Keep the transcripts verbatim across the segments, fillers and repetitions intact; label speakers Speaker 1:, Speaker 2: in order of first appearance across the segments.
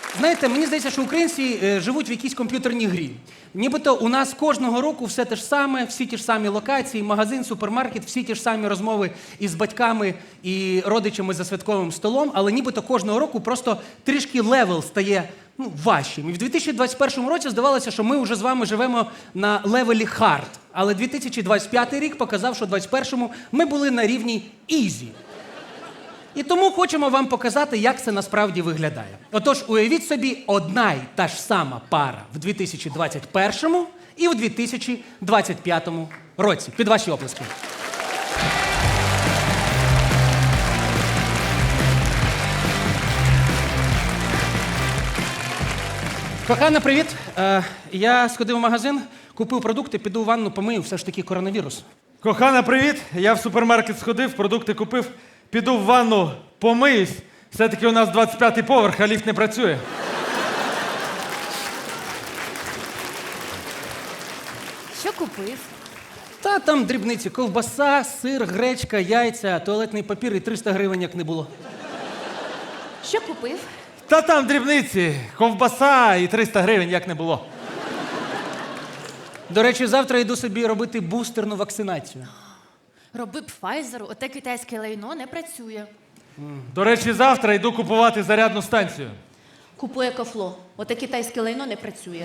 Speaker 1: Знаєте, мені здається, що українці е, живуть в якійсь комп'ютерній грі. Нібито у нас кожного року все те ж саме, всі ті ж самі локації, магазин, супермаркет, всі ті ж самі розмови із батьками і родичами за святковим столом, але нібито кожного року просто трішки левел стає ну, важчим. І в дві тисячі двадцять першому році здавалося, що ми вже з вами живемо на левелі хард. Але дві тисячі двадцять п'ятий рік показав, що в двадцять першому ми були на рівні ізі. І тому хочемо вам показати, як це насправді виглядає. Отож, уявіть собі, одна й та ж сама пара в дві тисячі двадцять першому і в дві тисячі двадцять п'ятому році. Під ваші оплески. Кохана, привіт. Е, я сходив в магазин, купив продукти, піду в ванну, помию, все ж таки коронавірус.
Speaker 2: Кохана, привіт! Я в супермаркет сходив, продукти купив, піду в ванну, помиюсь. Все-таки у нас двадцять п'ятий поверх, а ліфт не працює.
Speaker 3: Що купив?
Speaker 1: Та там дрібниці, ковбаса, сир, гречка, яйця, туалетний папір і триста гривень, як не було.
Speaker 3: Що купив?
Speaker 2: Та там дрібниці, ковбаса і триста гривень, як не було.
Speaker 1: До речі, завтра йду собі робити бустерну вакцинацію.
Speaker 3: Роби б Pfizer, оте китайське лайно не працює.
Speaker 2: До речі, завтра йду купувати зарядну станцію.
Speaker 3: Купуй екофло, оте китайське лайно не працює.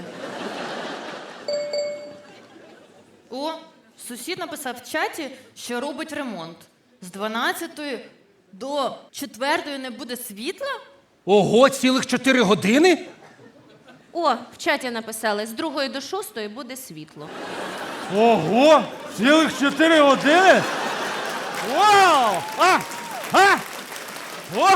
Speaker 3: О, сусід написав в чаті, що робить ремонт. З дванадцятої до четвертої не буде світла?
Speaker 1: Ого, цілих чотири години?
Speaker 4: О, в чаті написали, з другої до шостої буде світло.
Speaker 2: Ого! Цілих чотири години? Вау! А! А! О!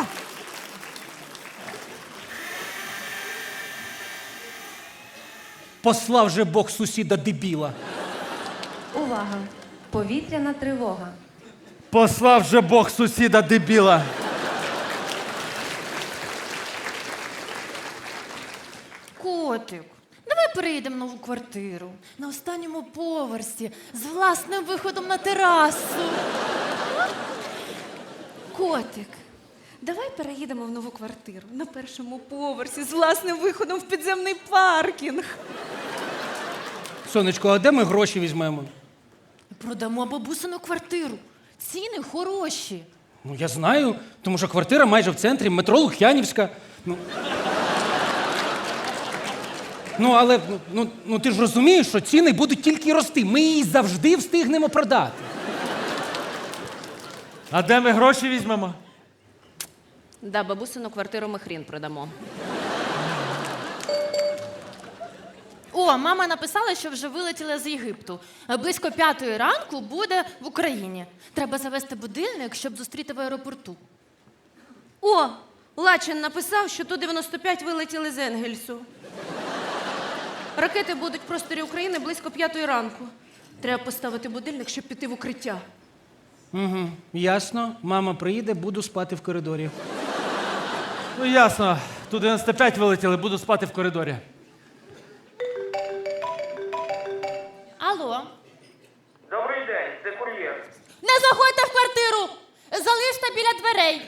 Speaker 1: Послав же Бог сусіда дебіла.
Speaker 5: Увага! Повітряна тривога.
Speaker 2: Послав же Бог сусіда дебіла.
Speaker 3: Котик, давай переїдемо в нову квартиру. На останньому поверсі, з власним виходом на терасу.
Speaker 5: Котик, давай переїдемо в нову квартиру на першому поверсі з власним виходом в підземний паркінг.
Speaker 1: Сонечко, а де ми гроші візьмемо?
Speaker 3: Продамо бабусину квартиру. Ціни хороші.
Speaker 1: Ну, я знаю, тому що квартира майже в центрі, метро Лук'янівська. Ну, ну але ну, ну, ну, ти ж розумієш, що ціни будуть тільки рости. Ми її завжди встигнемо продати.
Speaker 2: А де ми гроші візьмемо?
Speaker 4: Да, бабусину квартиру ми хрін продамо.
Speaker 3: О, мама написала, що вже вилетіла з Єгипту. Близько п'ятої ранку буде в Україні. Треба завести будильник, щоб зустріти в аеропорту.
Speaker 4: О, Лачин написав, що Ту дев'яносто п'ять вилетіли з Енгельсу. Ракети будуть в просторі України близько п'ятої ранку. Треба поставити будильник, щоб піти в укриття.
Speaker 1: Угу, ясно. Мама приїде, буду спати в коридорі.
Speaker 2: Ну ясно, Ту дев'яносто п'ять вилетіли, буду спати в коридорі.
Speaker 3: Алло.
Speaker 6: Добрий день, це кур'єр.
Speaker 3: Не заходьте в квартиру! Залиште біля дверей.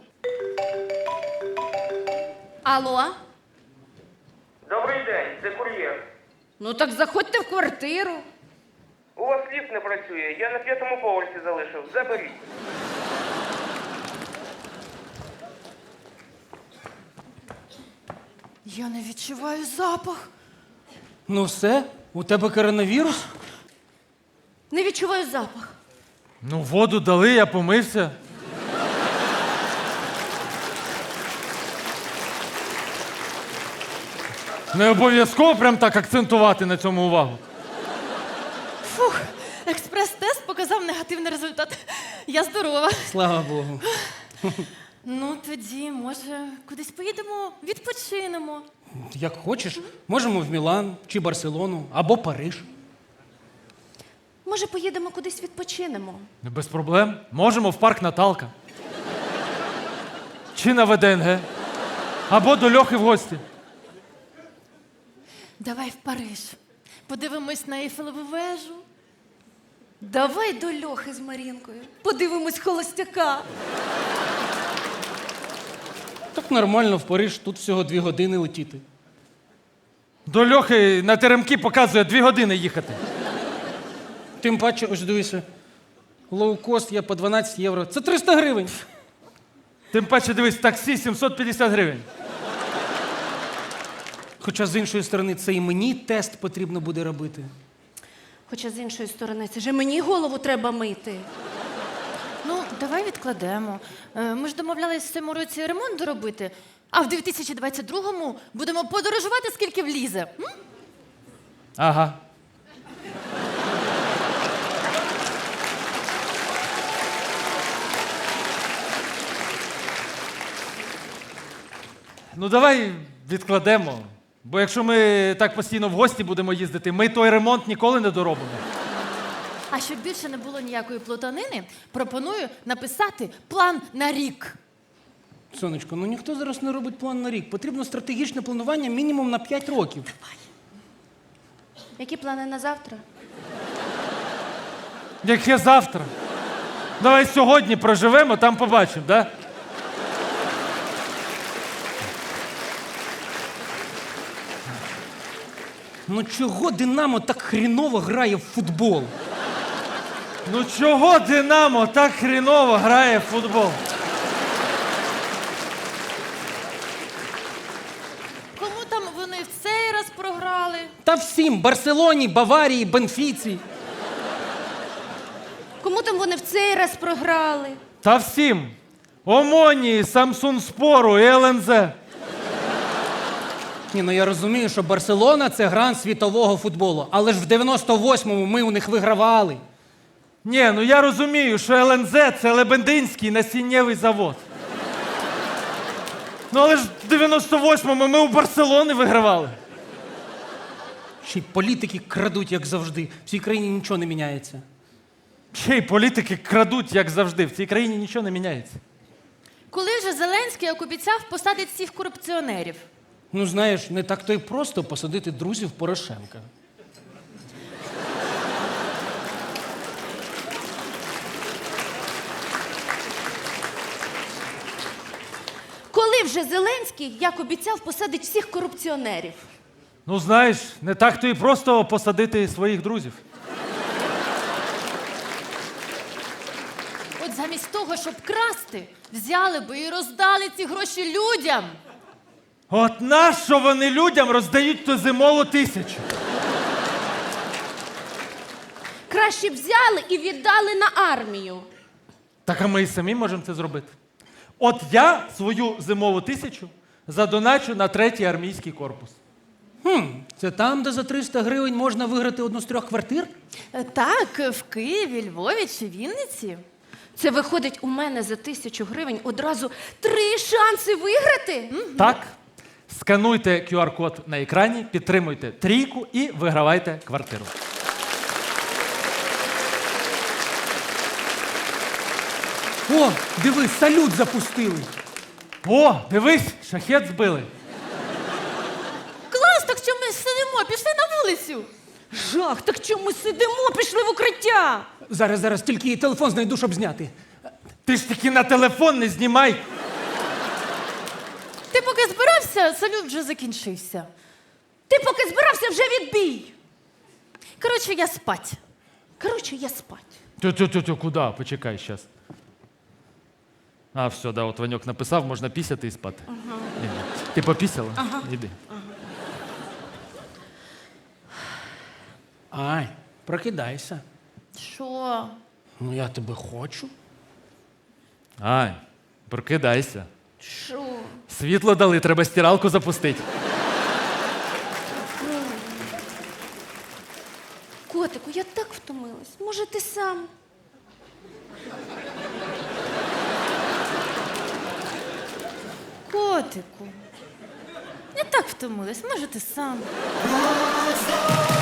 Speaker 4: Алло?
Speaker 6: Добрий день, це кур'єр.
Speaker 4: Ну так заходьте в квартиру.
Speaker 6: У вас ліфт не працює, я на п'ятому поверсі залишив. Заберіть.
Speaker 3: Я не відчуваю запах.
Speaker 1: Ну все, у тебе коронавірус?
Speaker 4: Не відчуваю запах.
Speaker 2: Ну, воду дали, я помився. Не обов'язково прям так акцентувати на цьому увагу.
Speaker 3: Фух, експрес-тест показав негативний результат. Я здорова.
Speaker 1: Слава Богу.
Speaker 3: Ну, тоді, може, кудись поїдемо, відпочинемо.
Speaker 1: Як хочеш, можемо в Мілан чи Барселону, або Париж.
Speaker 4: Може, поїдемо кудись відпочинемо?
Speaker 2: Не без проблем. Можемо в парк Наталка. Чи на ВДНГ. Або до Льохи в гості.
Speaker 3: Давай в Париж. Подивимось на Ейфелеву вежу. Давай до Льохи з Марінкою. Подивимось холостяка.
Speaker 1: Так нормально, в Париж, тут всього дві години летіти.
Speaker 2: До Льохи на теремки показує дві години їхати.
Speaker 1: Тим паче, ось дивися, лоукост є по дванадцять євро. Це триста гривень.
Speaker 2: Тим паче, дивись, таксі сімсот п'ятдесят гривень.
Speaker 1: Хоча, з іншої сторони, це і мені тест потрібно буде робити.
Speaker 4: Хоча з іншої сторони, це ж мені голову треба мити.
Speaker 3: Ну, давай відкладемо. Е, Ми ж домовлялись в цьому році ремонт доробити, а в дві тисячі двадцять другому будемо подорожувати, скільки влізе. М?
Speaker 2: Ага. Ну, давай відкладемо. Бо якщо ми так постійно в гості будемо їздити, ми той ремонт ніколи не доробимо.
Speaker 3: А щоб більше не було ніякої плутанини, пропоную написати план на рік.
Speaker 1: Сонечко, ну ніхто зараз не робить план на рік. Потрібно стратегічне планування мінімум на п'ять років.
Speaker 4: Які плани на завтра?
Speaker 2: Яке завтра? Давай сьогодні проживемо, там побачимо, да?
Speaker 1: Ну чого Динамо так хріново грає в футбол?
Speaker 2: Ну чого Динамо так хріново грає в футбол?
Speaker 3: Кому там вони в цей раз програли?
Speaker 1: Та всім Барселоні, Баварії, Бенфіці.
Speaker 4: Кому там вони в цей раз програли?
Speaker 2: Та всім. Омонії, Самсунспору і ел ен зет.
Speaker 1: Ні, ну я розумію, що Барселона це гранд світового футболу. Але ж в дев'яносто восьмому ми у них вигравали.
Speaker 2: Ні, ну я розумію, що ел ен зет – це Лебединський насіннєвий завод. Ну але ж в дев'яносто восьмому ми у Барселони вигравали.
Speaker 1: Ще й політики крадуть, як завжди. В цій країні нічого не міняється.
Speaker 2: Ще й політики крадуть, як завжди. В цій країні нічого не міняється.
Speaker 3: Коли же Зеленський, як обіцяв, посадить всіх корупціонерів?
Speaker 1: Ну, знаєш, не так то й просто посадити друзів Порошенка.
Speaker 4: Коли вже Зеленський, як обіцяв, посадить всіх корупціонерів?
Speaker 2: Ну знаєш, не так то і просто посадити своїх друзів.
Speaker 3: От замість того, щоб красти, взяли би і роздали ці гроші людям.
Speaker 2: От нащо вони людям роздають ту зимову тисячу?
Speaker 4: Краще б взяли і віддали на армію.
Speaker 2: Так а ми і самі можемо це зробити. От я свою зимову тисячу задоначу на третій армійський корпус.
Speaker 1: Хм, це там, де за триста гривень можна виграти одну з трьох квартир?
Speaker 3: Е, Так, в Києві, Львові чи Вінниці.
Speaker 4: Це виходить у мене за тисячу гривень одразу три шанси виграти?
Speaker 2: Так, скануйте кю ар-код на екрані, підтримуйте трійку і вигравайте квартиру.
Speaker 1: О, диви, салют запустили.
Speaker 2: О, дивись, шахет збили.
Speaker 3: Клас, так що ми сидимо, пішли на вулицю.
Speaker 4: Жах, так чому ми сидимо, пішли в укриття?
Speaker 1: Зараз, зараз, тільки її телефон знайду, щоб зняти.
Speaker 2: Ти ж таки на телефон не знімай.
Speaker 3: Ти поки збирався, салют вже закінчився.
Speaker 4: Ти поки збирався, вже відбій.
Speaker 3: Коротше, я спать.
Speaker 4: Коротше, я спать.
Speaker 2: Тю-тю-тю, куди? Почекай зараз. А, все, да, от Ваньок написав, можна пісяти і спати. Ага. Ти попісяла? Ага. Іди.
Speaker 1: Ай, прокидайся.
Speaker 3: Що?
Speaker 1: Ну, я тебе хочу.
Speaker 2: Ай, прокидайся.
Speaker 4: Що?
Speaker 2: Світло дали, треба стиралку запустити.
Speaker 4: Котику, я так втомилась. Може, ти сам?
Speaker 3: Котику. Я так втомилась, може ти сам.